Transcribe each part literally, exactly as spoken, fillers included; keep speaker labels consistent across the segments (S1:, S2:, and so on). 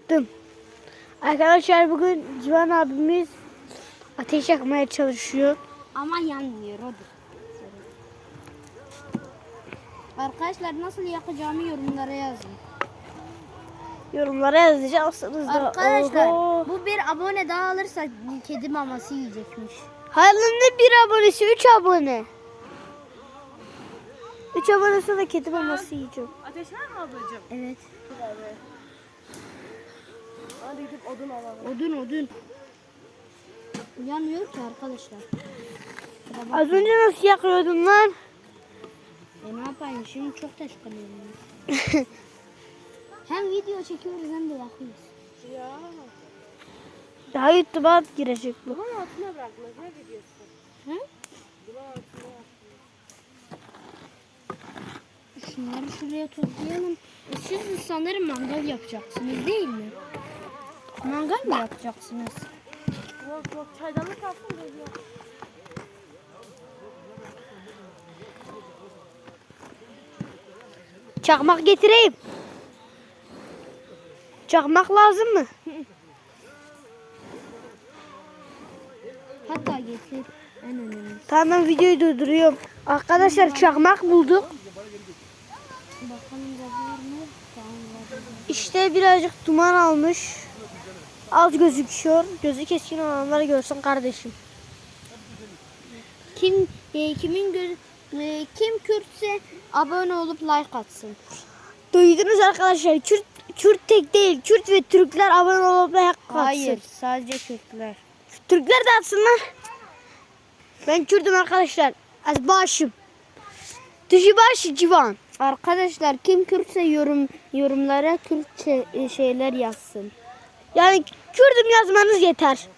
S1: yaktım. Arkadaşlar bugün Civan abimiz ateş yakmaya çalışıyor.
S2: Ama yanmıyor odur. Arkadaşlar nasıl yakacağımı yorumlara yazın.
S1: Yorumlara yazacaksınız da.
S2: Arkadaşlar
S1: Oho.
S2: bu bir abone daha alırsa kedi maması yiyecekmiş.
S1: Hayır ne bir abonesi? Üç abone. Üç abone sonra kedi maması yiyeceğim.
S3: Ateş var mı ablacığım?
S2: Evet.
S3: Hadi gidip odun alalım.
S2: Odun odun. Yanmıyor ki arkadaşlar.
S1: Az önce nasıl yakıyordun lan?
S2: E ne yapayım şimdi çok teşkanıyorum. Hem video çekiyoruz hem de yakıyoruz.
S3: Ya.
S1: Daha YouTube'a girecek bu.
S3: Bunun altına bırakmaz. Ne gidiyorsun?
S2: Hı?
S3: Bunun altına
S2: Şunları şuraya toplayalım. E siz sanırım mangal yapacaksınız değil mi? Mangal mı yapacaksınız?
S3: Yok yok çaydanlık kalsın geliyor.
S1: Çakmak getireyim. Çakmak lazım mı?
S2: Hatta getir. En önemlisi.
S1: Tamam videoyu durduruyorum. Arkadaşlar çakmak bulduk.
S2: Bakalım var mı? Tamam var.
S1: İşte birazcık duman almış. Az gözüküyor. Gözü keskin olanları görsün kardeşim.
S2: Kim e, kimin göz e, kim Kürtse abone olup like atsın.
S1: Duydunuz arkadaşlar. Kürt, Kürt tek değil. Kürt ve Türkler abone olup like atsın.
S2: Hayır, sadece Kürtler.
S1: Türkler de atsınlar. Ben Kürt'üm arkadaşlar. Az başım. Dışı başı civan.
S2: Arkadaşlar kim Kürtse yorum yorumlara Kürtçe e, şeyler yazsın.
S1: Yani Kürt'üm yazmanız yeter.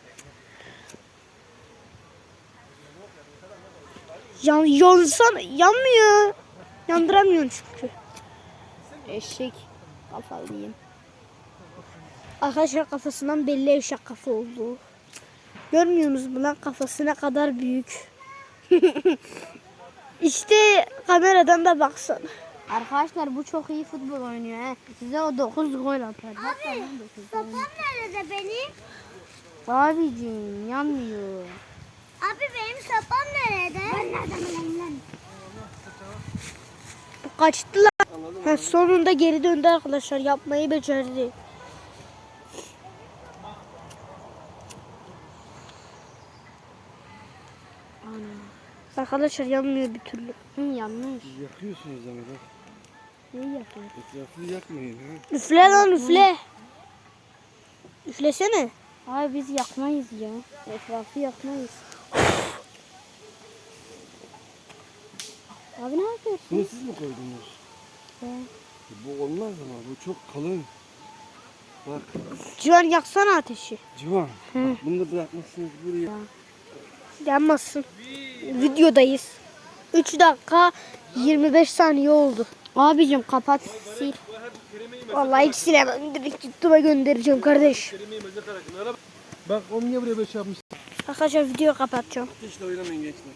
S1: Yan, yansan yanmıyor. Yandıramıyorsun çünkü.
S2: Eşek kafalıyım.
S1: Arkadaşlar kafasından belli eşek kafa oldu. Görmüyorsunuz mu lan kafası ne kadar büyük. İşte kameradan da baksana.
S2: Arkadaşlar bu çok iyi futbol oynuyor he. Size o dokuz gol atar. Hatta ben dokuz gol.
S4: Nerede benim?
S2: Abicim yanmıyor.
S4: Abi benim sapam nerede? Ben nereden bileyim lan?
S1: Kaçtı lan. Ha, sonunda geri döndü arkadaşlar. Yapmayı becerdi.
S2: Ana.
S1: Arkadaşlar yanmıyor bir türlü.
S2: Hı, yanmış.
S5: Yakıyorsunuz ama bak.
S2: Ne yapıyor?
S5: Etrafını yakmayın ha.
S1: Üfle lan üfle. Üflesene.
S2: Abi biz yakmayız ya. Etrafı yakmayız. Abi ne yapıyorsun?
S5: Bunu siz mi koydunuz?
S2: He.
S5: Bu olmaz ama bu çok kalın. Bak
S1: Civan yaksana ateşi.
S5: Civan. Bak, bunu da bırakmışsınız buraya.
S1: Yanmasın. Videodayız. üç dakika yirmi beş saniye oldu.
S2: Abicim kapat sil.
S1: Vallahi hiç silemem. Direkt YouTube'a göndereceğim kardeş.
S5: Bak onu niye buraya böyle şey yapmış?
S1: Arkadaşlar videoyu kapatacağım.
S5: Hiç de oynamayın gençler.